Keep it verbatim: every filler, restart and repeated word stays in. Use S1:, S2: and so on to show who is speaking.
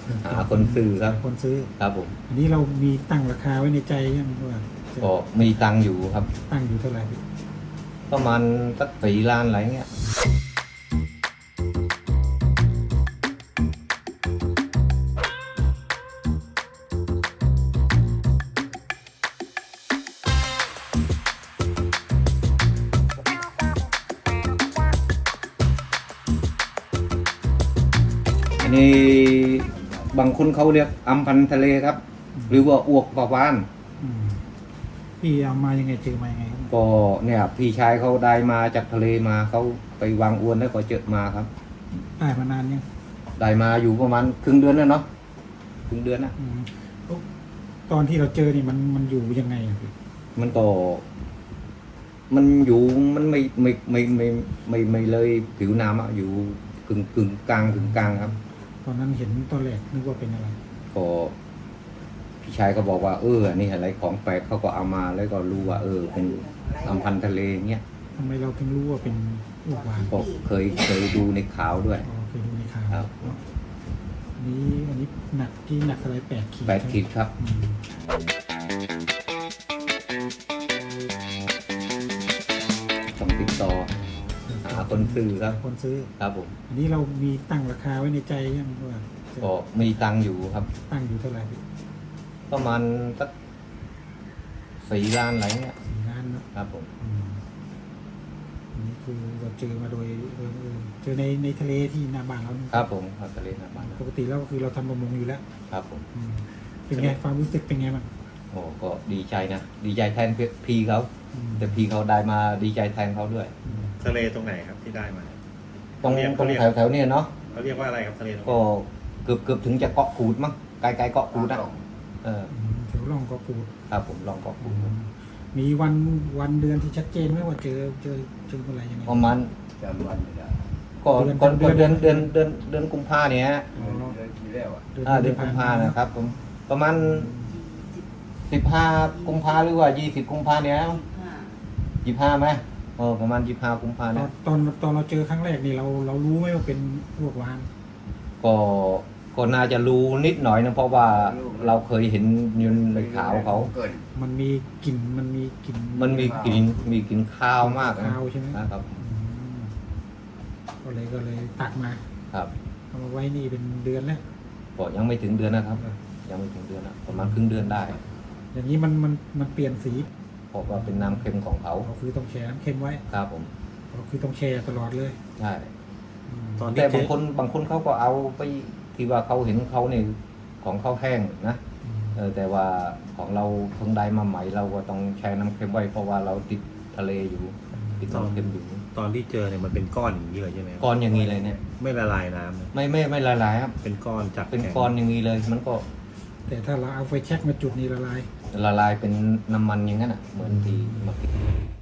S1: หาคนซื้อครับ
S2: คนซื้อ
S1: ครับผม
S2: อันนี้เรามีตั้งราคาไว้ในใจยังว่าจะ
S1: ก็มีตังค์อยู่ครับ
S2: ตั้งอยู่เท่าไหร่พี่
S1: ประมาณสักสี่ล้านอะไรเงี้ยอันนี้บางคนเขาเรียกอัมพันธ์ทะเลครับ หรือว่าอวกปลาวาน
S2: อืมพี่เอามายังไงเจอมายังไงครับ
S1: ก็เนี่ยพี่ชายเขาได้มาจากทะเลมาเขาไปวางอวนแล้วก็เจอมาครับ
S2: ได้มานานยัง
S1: ได้มาอยู่ประมาณครึ่งเดือนแล้วเนาะครึ่งเดือนนะ
S2: อืมตอนที่เราเจอนี่มันมันอยู่ยังไงอะพี่
S1: มันก็ มันอยู่มันไม่ไม่ไม่ไม่ไม่ไม่เลยผิวน้ำอะอยู่กึ่งกึ่งกลางกึ่งกลางครับ
S2: ตอนนั้นเห็นตอนแรกนึกว่าเป็นอะไร
S1: ก็พี่ชายก็บอกว่าเอออันนี่อะไรของแปลกเขาก็เอามาแล้วก็รู้ว่า เออ เป็นอัมพันธ์ทะเลเงี้ย
S2: ทำไมเราถึงรู้ว่าเป็นอ้วกวาน
S1: ก็เคยเคยดูในข่าวด้วย
S2: อ๋อเคยดูในข่าว
S1: ครับ
S2: อันนี้อันนี้หนักที่หนักอะไรแปดขีด
S1: แปดขีดครับ
S2: อืม
S1: ต้องติดต่อหาคนซื้อครับ
S2: คนซื้อ
S1: ครับผม
S2: อันนี้เรามีตั้งราคาไว้ในใจยังว่าจะ
S1: ก็มีตังค์อยู่ครับ
S2: ตั้งอยู่เท่าไหร่พี่
S1: ประมาณสักสี่ล้านอะไรเงี้ย
S2: สี่ล้านเนอะ
S1: ครับผม
S2: อืมอันนี้คือเราเจอมาโดยโดยบังเออเจอในในทะเลที่หน้าบ้านเรานี่
S1: ครับผมครับทะเลน้ำมัน
S2: ปกติแล้วก็คือเราทำประมงอยู่แล้ว
S1: ครับผม
S2: อืมเป็นไงความรู้สึกเป็นไงบ้าง
S1: โอ้ก็ดีใจนะ ดีใจแทนพี่เขา
S2: อืม
S1: แต่พี่เขาได้มาดีใจแทนเขาด้วย
S2: อืม
S3: ทะเลตรงไหนครับที่ได้มา
S1: ตรง
S3: เขาเรียก
S1: ตรง
S3: เขาเรียก
S1: แถวแถวๆเนี้เนาะ
S3: เขาเรียกว่าอะไรครับทะเลตรงไหน
S1: ก็เกือบเกือบถึงจะเกาะกูดมั้งไกลไกลๆเกาะกูดอ่ะเออ
S2: อืมแถวร่องก็ปูด
S1: ครับผมลองเกาะกูด
S2: มีวันวันเดือนที่ชัดเจนไหมว่าเจอเจอเจอเมื่อไหร่ยังไง
S1: ประมาณ
S4: จำวันไม่ได้
S1: ก่อน
S2: เดือน
S1: ก่อน
S2: เดือน
S4: เดื
S1: เดื
S4: อ
S1: อน นเดือนเดือนเดือนกุมภาเนี่ยฮะ
S2: อ๋อ
S4: เดือนที่แล้วอ่ะ
S1: อ่าเดือนกุมภานะครับผมประมาณสิบห้ากุมภาหรือว่ายี่สิบกุมภาเนี่ยยี่ห้าไหมเออประมาณยี่ห้ากุมภา
S2: ตอ
S1: เนี่
S2: น
S1: ย
S2: ตอนตอนเราเจอครั้งแรกนี่เราเรารู้ไหมว่าเป็นพวกวาน
S1: ก็ก็น่าจะรู้นิดหน่อยนะเพราะว่าเราเคยเห็นยืนในข่าวเขา
S4: เกิน
S2: มันมีกลิ่นมันมีกลิ่น
S1: มันมีกลิ่นมีกลิ่นข้าวมากนะ
S2: ข้าวใช่ไหม
S1: นะครับ
S2: อืมก็เลยก็เลยตักมา
S1: ครับ
S2: เอามาไว้นี่เป็นเดือนแล้ว
S1: ก็ยังไม่ถึงเดือนนะครับ ยังไม่ถึงเดือนนะประมาณครึ่งเดือนได้
S2: อย่างนี้มันมันมันเปลี่ยนสี
S1: เพราะว่าเป็นน้ำเค็มของเขา
S2: เราคือต้องแช่น้ำเค็มไว้
S1: ครับผม
S2: เราคือต้องแช่ตลอดเลย
S1: ใช่
S2: อืม
S3: ตอน
S1: แต่
S3: ที่
S1: บางคนบางคนเขาก็เอาไปที่ว่าเขาเห็นเขาเนี่ยของเขาแห้งนะ
S2: อืม
S1: เออแต่ว่าของเราเพิ่งได้มาใหม่เราก็ต้องแช่น้ำเค็มไว้เพราะว่าเราติดทะเลอยู่ติดน้ำเค็มอยู่
S3: ตอนที่เจอเนี่ยมันเป็นก้อนอย่างนี้เลยใช่ไหมครับ
S1: ก้อนอย่างนี้เลยเนี่ย
S3: ไม่ละลายน้ำนะ
S1: ไม่ไม่ไม่ละลายครับ
S3: เป็นก้อนจาก
S1: เป็น
S3: แข็ง
S1: ก้อนอย่างนี้เลย มันก็
S2: แต่ถ้าเราเอาไฟแช็กมาจุดนี่ละลาย
S1: ละลายเป็นน้ำมันอย่างนั้นอ่ะเหมือนที่มากิน